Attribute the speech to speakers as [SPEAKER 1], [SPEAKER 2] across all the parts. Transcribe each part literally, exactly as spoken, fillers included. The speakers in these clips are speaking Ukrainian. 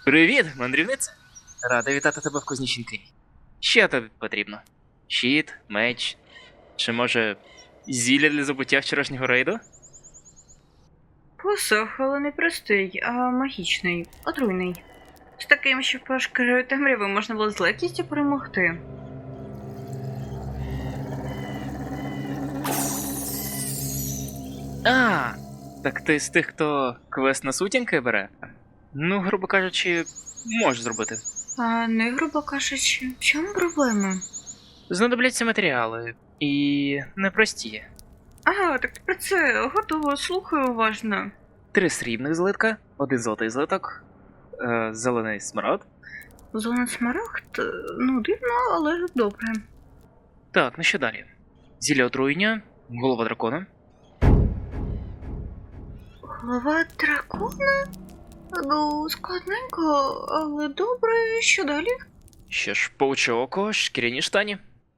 [SPEAKER 1] Привіт, мандрівниця! Рада вітати тебе в Кузнічинки. Що тобі потрібно? Щит, меч, чи може зілля для забуття вчорашнього рейду?
[SPEAKER 2] Посох, але не простий, а магічний, отруйний. З таким, що пошкарою темряви можна було з легкістю перемогти.
[SPEAKER 1] А, так ти з тих, хто квест на сутінки бере? Ну, грубо кажучи, можеш зробити.
[SPEAKER 2] А не, грубо кажучи, в чому проблема?
[SPEAKER 1] Знадобляться матеріали. І непрості.
[SPEAKER 2] Ага, так про це готово, слухаю уважно.
[SPEAKER 1] Три срібних злитка, один золотий злиток, е, зелений смарагд.
[SPEAKER 2] Зона смарагд? Ну, дивно, але добре.
[SPEAKER 1] Так, ну що далі? Зілля отруєння, голова дракона.
[SPEAKER 2] Голова дракона? Ну, складненько, але добре, що далі?
[SPEAKER 1] Що ж, пауче око, шкіряні штані.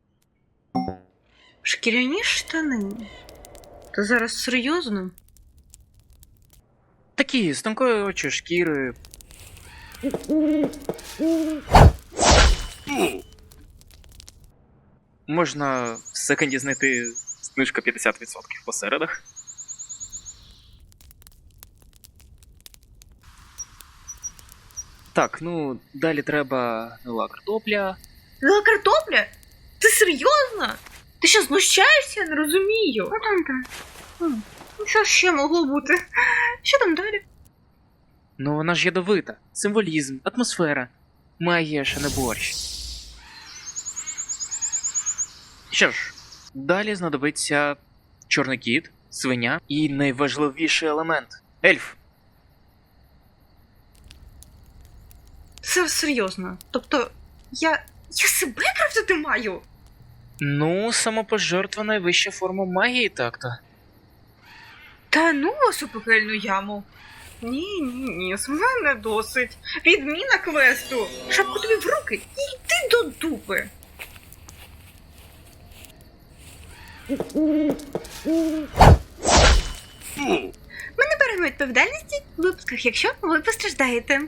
[SPEAKER 2] Шкіряні штани. Ти зараз серйозно?
[SPEAKER 1] Такі, з тонкої очі шкіри. Можна в секонді знайти знижка п'ятдесят відсотків по середах. Так, ну, далі треба гнила картопля.
[SPEAKER 2] Гнила картопля? Ти серйозно? Ти що, знущаєшся? Я не розумію. Ну там там. Хм, Ну що ще могло бути? Що там далі?
[SPEAKER 1] Ну, вона ж ядовита. Символізм, атмосфера. Магія, ще не борщ. Що ж, далі знадобиться чорний кіт, свиня і найважливіший елемент – ельф.
[SPEAKER 2] Це серйозно. Тобто, я. я себе крафтити маю?
[SPEAKER 1] Ну, самопожертва найвища форма магії, так-то.
[SPEAKER 2] Та ну вас у пекельну яму. Ні, ні, ні, з мене досить. Відміна квесту. Шапку тобі в руки і йди до дупи. Ми не беремо відповідальності в випусках, якщо ви постраждаєте.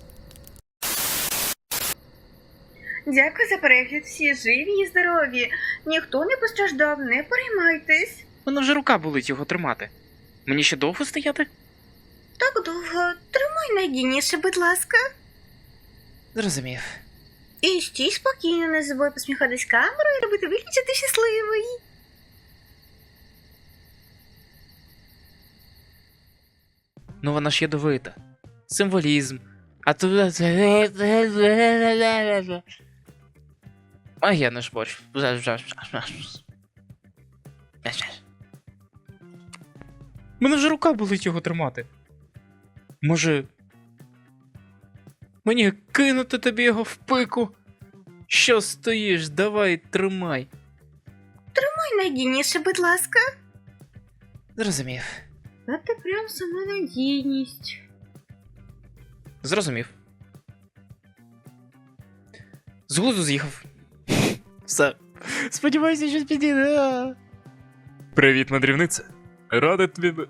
[SPEAKER 2] Дякую за перегляд. Всі живі і здорові. Ніхто не постраждав, не переймайтесь.
[SPEAKER 1] Мене вже рука болить його тримати. Мені ще довго стояти?
[SPEAKER 2] Так довго. Тримай найдійніше, будь ласка.
[SPEAKER 1] Зрозумів.
[SPEAKER 2] І стій спокійно, не забудь посміхатись камерою і робити вигляд, що ти щасливий.
[SPEAKER 1] Ну вона ж ядовита. Символізм. А то... А я не ж борщ. Мене вже рука болить його тримати. Може... Мені кинути тобі його в пику? Що стоїш? Давай, тримай.
[SPEAKER 2] Тримай найдійніше, будь ласка.
[SPEAKER 1] Зрозумів.
[SPEAKER 2] А ти прям сама надійність.
[SPEAKER 1] Зрозумів. З глузду з'їхав. Все. Сподіваюся, щось підійде. Привіт, мандрівниця. Радий тобі...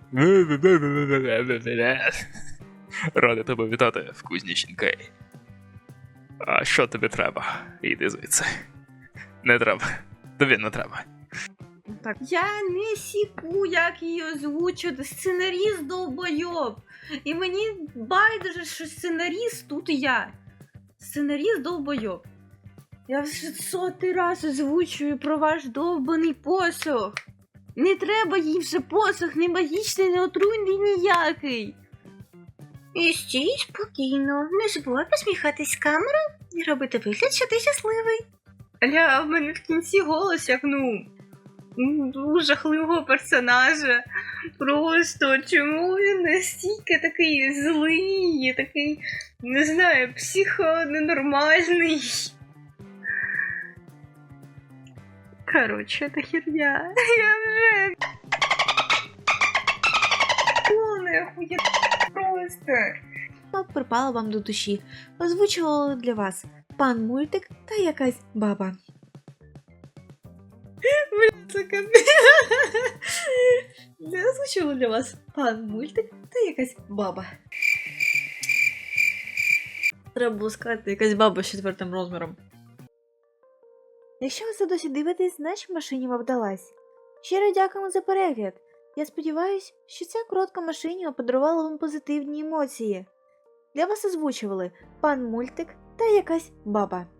[SPEAKER 1] Радий тебе вітати в Кузнічинкей. А що тобі треба? Іди звідси. Не треба. Тобі не треба.
[SPEAKER 2] Так. Я не сіку, як її озвучувати. Сценаріст довбойоб. І мені байдуже, що сценаріст тут я. Сценаріст довбойоб. Я вже сотий раз озвучую про ваш довбаний посох. Не треба їй вже посох, не магічний, не отруйний ніякий. І стій спокійно, не забувай посміхатись з камерою і робити вигляд, що ти щасливий. Аля, в мене в кінці голос як, ну, у жахливого персонажа. Просто чому він настільки такий злий, такий, не знаю, психоненормальний. Короче, это херня. Я вже... Полная хуйня просто. Припала вам до душі. Озвучувала для вас пан Мультик та якась баба. Я озвучувала для вас пан Мультик та якась баба. Треба було сказати, якась баба з четвертим розміром.
[SPEAKER 3] Якщо ви це досі дивитесь, значить машині вам вдалась. Щиро дякуємо за перегляд. Я сподіваюся, що ця коротка машиніва подарувала вам позитивні емоції. Для вас озвучували пан Мультик та якась баба.